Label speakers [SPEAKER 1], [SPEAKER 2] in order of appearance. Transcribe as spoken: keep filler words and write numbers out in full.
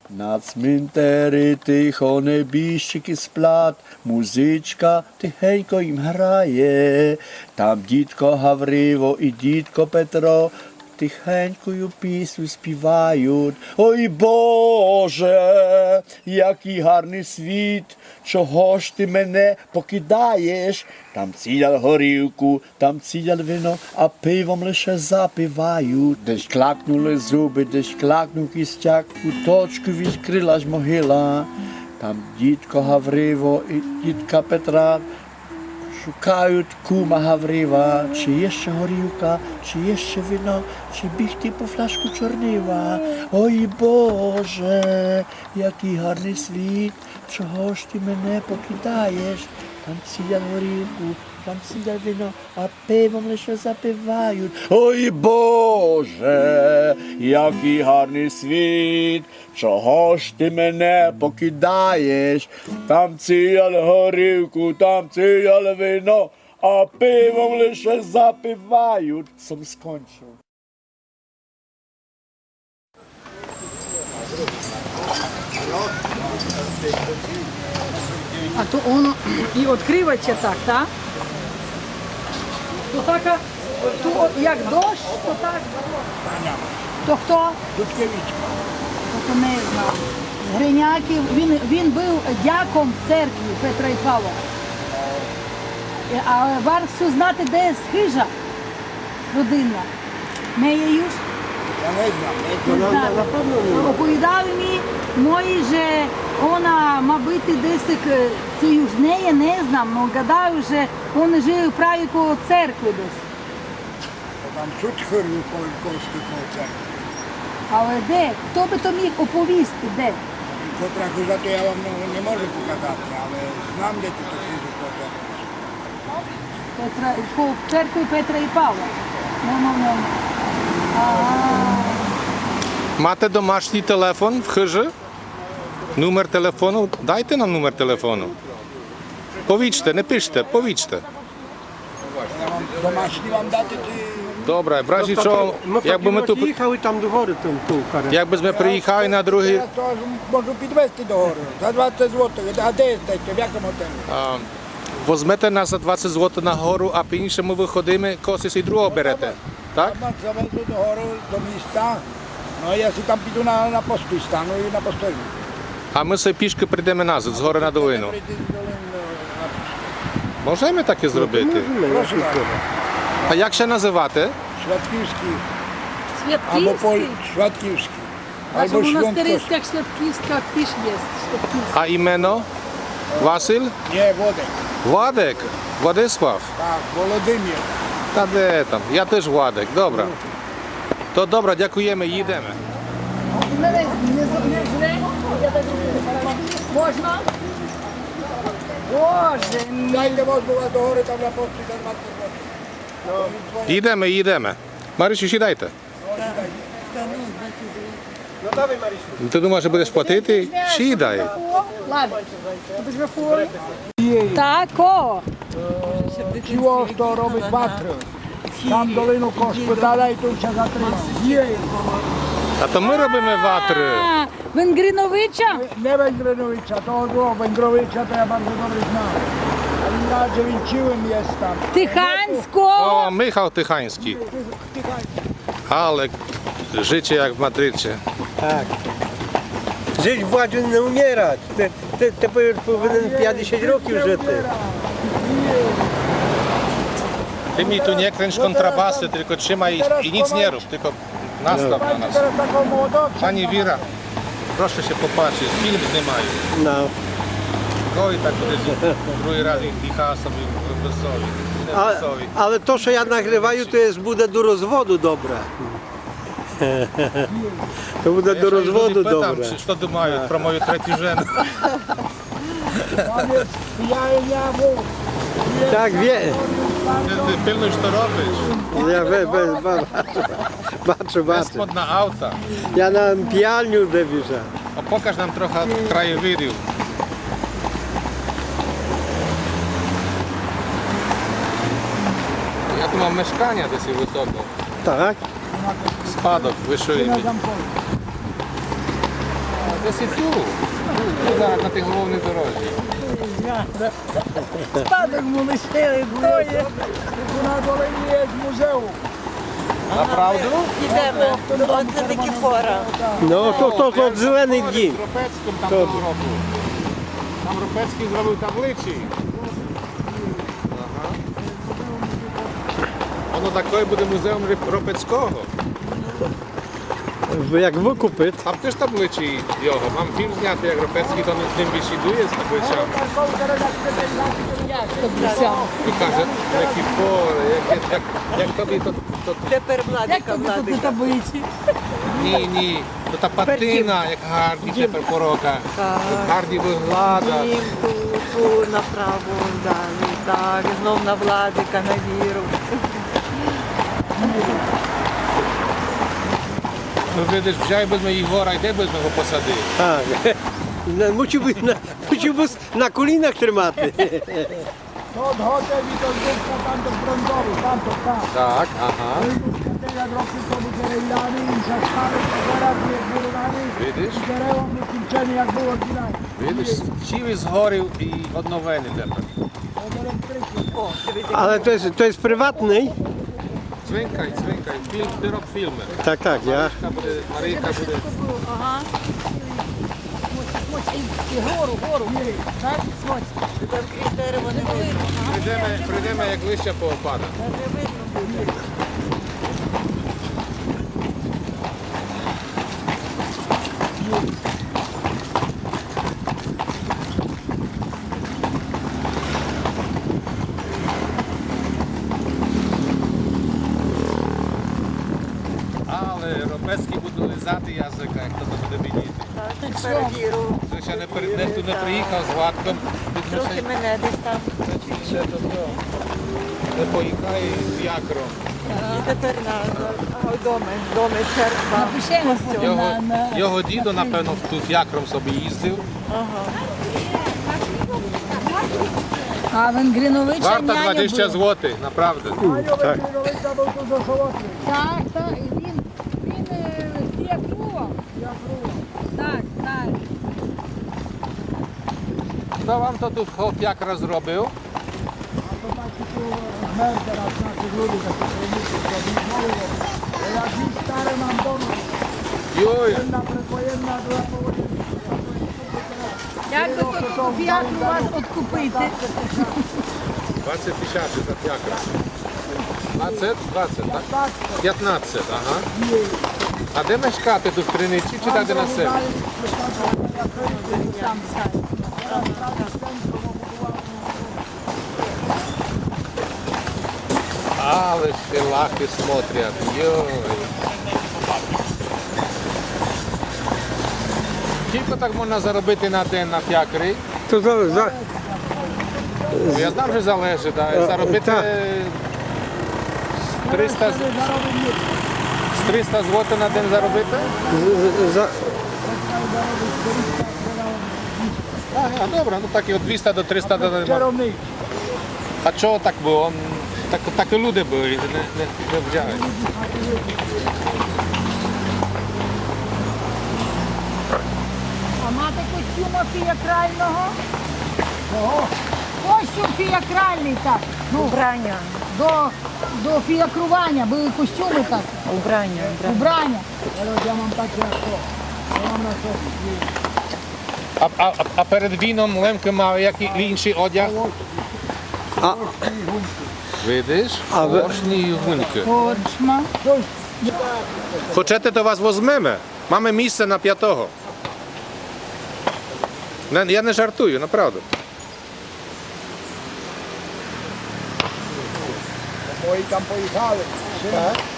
[SPEAKER 1] На цминтері тихо небіжчики сплять, музичка тихенько їм грає. Там дідко Гавриво і дідко Петро тихенькою пісню співають. Ой Боже, який гарний світ, чого ж ти мене покидаєш? Там цілять горілку, там цілять вино, а пивом лише запивають. Десь клакнули зуби, десь клакнув кістяк, куточку відкрилась могила. Там дідко Гавриво і дідка Петра шукають кума Гаврива, чи є ще горілка, чи є ще вино, чи бігти по фляжку чорнива. Ой Боже, який гарний світ, чого ж ти мене покидаєш? Там цілять горілку, там цілять вино, а пивом лише запивають. Ой Боже, який гарний світ, чого ж ти мене покидаєш? Там цілять горілку, там цілять вино, а пивом лише запивають. Сам скончив.
[SPEAKER 2] А то воно і відкривається так, так? То так, то як дощ, то так. То хто?
[SPEAKER 3] Дудкевич.
[SPEAKER 2] То не знаю. З Гриняків, він, він був дяком в церкві Петра і Павла. А варто знати, де схижа родина. Не є юж?
[SPEAKER 3] Я не знаю.
[SPEAKER 2] Не знаю. Оповідав мені, мої же, вона, мабуть, десь це юж не є, не знам, але гадаю, що вони жили праві коло церкви десь.
[SPEAKER 3] Там суд хирів Кольковський коло церкви.
[SPEAKER 2] Але де? Хто би то міг оповісти, де?
[SPEAKER 3] Котра хижа, то я вам не, не можу показати, але знам, де тут хижу коло церкви.
[SPEAKER 2] Петра, коло церкви Петра і Павла. Ну, ну, ну. А,
[SPEAKER 4] Мате домашній телефон в хижі? Номер телефону? Дайте нам номер телефону. Повічте, не пиште, повічте.
[SPEAKER 3] Я вам домашні вам дати ті...
[SPEAKER 4] Добре, в разі чого,
[SPEAKER 5] Ми
[SPEAKER 4] якби ми тут,
[SPEAKER 5] їхали там до гори, там ту карету.
[SPEAKER 4] якби ми приїхали на другий,
[SPEAKER 3] Я то можу підвезти до гори. За двадцять злотих. А де стаєте? В якому готелі?
[SPEAKER 4] а, возьмете нас за двадцять злотих на гору, а пізніше ми виходимо, когось і другого берете. Так?
[SPEAKER 3] Я завезу до гори, до міста. Ну, а я си там піду на, на посту і стану і на постелі.
[SPEAKER 4] А ми все пішки прийдемо назад, з гори на долину. Можемо так і зробити?
[SPEAKER 3] Прошу вас.
[SPEAKER 4] А як ще називати?
[SPEAKER 3] Швидківський. Або по
[SPEAKER 2] Святківський.
[SPEAKER 3] Швидківський.
[SPEAKER 2] Аж
[SPEAKER 3] Або
[SPEAKER 2] у
[SPEAKER 3] Шльонкos.
[SPEAKER 2] монастирських Святківських піш є. Святківський.
[SPEAKER 4] А імено? Василь?
[SPEAKER 3] Ні, Водик.
[SPEAKER 4] Владик? Владислав?
[SPEAKER 3] Так, Володимир.
[SPEAKER 4] Та де там? Я теж Владик, добре. То добре, дякуємо, їдемо.
[SPEAKER 2] Мене не зображне. Можна? Боже мій.
[SPEAKER 3] Дайте возьму вас до гори, там на пості за двадцять років.
[SPEAKER 4] Їдемо, їдемо. Марисю, сідайте. Ти думаєш, що будеш платити? Сідай.
[SPEAKER 2] Ладно. Так, о.
[SPEAKER 3] Чого що робить ватри? Там долину кош питала і тут ще затримав. Є.
[SPEAKER 4] А то ми робимо ватри.
[SPEAKER 2] А, Венгриновича?
[SPEAKER 3] Не Венгриновича, того другого Венгровича, то я bardzo добре знав. А він радше він чивим є там.
[SPEAKER 2] Тиханського.
[SPEAKER 4] О, Михайло Тиханський. Але życie jak w Madrycie.
[SPEAKER 5] Так. Жити в ваді не вмирати. Ти, ти тепер повинен п'ятдесят років жити.
[SPEAKER 4] Ty mi tu nie kręć kontrabasy, tylko trzymaj i, i nic nie rób, tylko nastaw na nas.
[SPEAKER 3] Teraz taką młodą.
[SPEAKER 4] Pani Wira, proszę się popatrzeć, film знімаю.
[SPEAKER 5] No.
[SPEAKER 4] Ой, так буде другий раз і собі веселі.
[SPEAKER 5] А,
[SPEAKER 4] Веселі.
[SPEAKER 5] але то, що я нагріваю, то є, буде до розводу добре. То буде до розводу
[SPEAKER 4] Pytam,
[SPEAKER 5] добре.
[SPEAKER 4] czy, co думають про мою третю жену.
[SPEAKER 3] Tam jest, ja, ja mów.
[SPEAKER 5] Так, вє...
[SPEAKER 4] Ти пильнуй, що робиш.
[SPEAKER 5] я бе- бе- бе- бачу, бачу.
[SPEAKER 4] Безподна авто.
[SPEAKER 5] Я на п'яльню дивлюся.
[SPEAKER 4] А покаж нам трохи краєвидів. Я tu mam mieszkania dosyć wysoko.
[SPEAKER 5] Так.
[SPEAKER 4] Spadok, wyższy. десь і тут. Тут зараз на тій головній дорозі.
[SPEAKER 2] Спадок му лишили, то є.
[SPEAKER 3] На долині є музею.
[SPEAKER 4] Направду?
[SPEAKER 6] Йдемо. Оце таки фора.
[SPEAKER 5] Ну, то, то, то зелений дім.
[SPEAKER 4] Ропецьким там того року. Там Ропецький зробив табличі. Ага. Воно такий буде музеум Ріп- Ропецького.
[SPEAKER 5] Як викупить.
[SPEAKER 4] Там теж табличі його. Мам фільм зняти, як Ропецький там з ним бесідує з табличами. І каже, які фори, як, як, як тобі то, то,
[SPEAKER 6] Тепер
[SPEAKER 2] Як
[SPEAKER 6] владика,
[SPEAKER 2] тобі тут
[SPEAKER 6] владика.
[SPEAKER 2] таблиці?
[SPEAKER 4] ні, ні, то та патина, як гарні тепер порока. Гарні виглада.
[SPEAKER 6] Дім, ту, ту, направо, далі, так, знов на владика, на віру.
[SPEAKER 4] Ну, видиш, взяй без моїх гора, йде без мого посади.
[SPEAKER 5] А, на- мусив би на, мусив би на колінах тримати.
[SPEAKER 3] To od hotel i to zdjęcia tam do brązowy, tam to tam.
[SPEAKER 4] Так, ага.
[SPEAKER 3] Te jak roky to był Kerejlany i Szaszkany, to teraz nie budowany.
[SPEAKER 4] Widzisz?
[SPEAKER 3] I Kerełą nie kończeni jak było oryginalnie.
[SPEAKER 4] Видиш, вчив із горів і одновини тепер.
[SPEAKER 3] Od elektryki.
[SPEAKER 6] О, дивіться.
[SPEAKER 5] Але то є, то є приватний?
[SPEAKER 4] Цвинкай, цвинкай, фільм, ти роб фільми.
[SPEAKER 5] Так, так, я.
[SPEAKER 4] Марійка буде, Марійка буде.
[SPEAKER 2] Ага. І гору, гору. Так, смотри.
[SPEAKER 6] Там крізь дерево не видно.
[SPEAKER 4] Прийдемо, прийдемо як листя поопада.
[SPEAKER 6] Не видно буде.
[SPEAKER 4] Але Ропецький буде лизати язика, як то буде відійти.
[SPEAKER 6] Так, тепер віру.
[SPEAKER 4] Ти ще не, при- не, ти не приїхав з Владком, ти
[SPEAKER 6] Трохи мене десь там.
[SPEAKER 4] ще до того. Не поїхай з якром.
[SPEAKER 6] І тепер на доми, доми, церква.
[SPEAKER 2] Напишемо
[SPEAKER 6] костюм.
[SPEAKER 4] Його,
[SPEAKER 2] на, на...
[SPEAKER 4] його дідо, напевно, тут якром собі їздив.
[SPEAKER 2] А Венгриновича
[SPEAKER 4] Варта
[SPEAKER 2] няня
[SPEAKER 4] двадцять
[SPEAKER 2] була.
[SPEAKER 4] злотих, направду.
[SPEAKER 3] Tak. Kerejlowicza był tu do Sołotry.
[SPEAKER 2] Так, так, і він, він е, фіакрував. Так, так.
[SPEAKER 4] Хто вам то тут хоп якра зробив?
[SPEAKER 3] To taki tu mer teraz naszych ludzi, takich rolników, zrobili nowy rok. Bo jak już stare mam domy,
[SPEAKER 4] Йой,
[SPEAKER 3] jedna predwojenna była położona.
[SPEAKER 2] Як би то фіакру вас откупити?
[SPEAKER 4] двадцять тисяч за якра. двадцять? двадцять, так? п'ятнадцять, ага. А де мешкати тут в Криниці чи так де на себе?
[SPEAKER 2] Там, так.
[SPEAKER 4] Але ж лахи смотрять, йой. Скільки так можна заробити на день на фіакрі?
[SPEAKER 5] То за, за,
[SPEAKER 4] Ну, я знав, що залежить, да. заробити
[SPEAKER 5] так.
[SPEAKER 4] з триста, з триста злотих на день заробити?
[SPEAKER 5] за, за,
[SPEAKER 4] А, а добре, ну так і від двісті до триста до день.
[SPEAKER 3] Czarownik.
[SPEAKER 4] А чого так було? Так, так і люди були, не, не, не взяли.
[SPEAKER 2] А мати костюма фіакрального? Костюм фіакральний так. Ну,
[SPEAKER 6] Убрання.
[SPEAKER 2] до, до фіакрування були костюми так.
[SPEAKER 6] Убрання.
[SPEAKER 2] Убрання.
[SPEAKER 3] Teraz ja mam takie jak to. Ja mam na sobie.
[SPEAKER 4] А, а, а- а перед віном Лемки мав який інший одяг?
[SPEAKER 5] А-
[SPEAKER 4] Видиш?
[SPEAKER 5] А ви-
[SPEAKER 4] Поршні і гуньки.
[SPEAKER 2] Корчма.
[SPEAKER 4] Хочете, то вас возьмемо? Mamy місце на п'ятого. Не, я не жартую, направду.
[SPEAKER 3] Moi tam pojechałem. Syn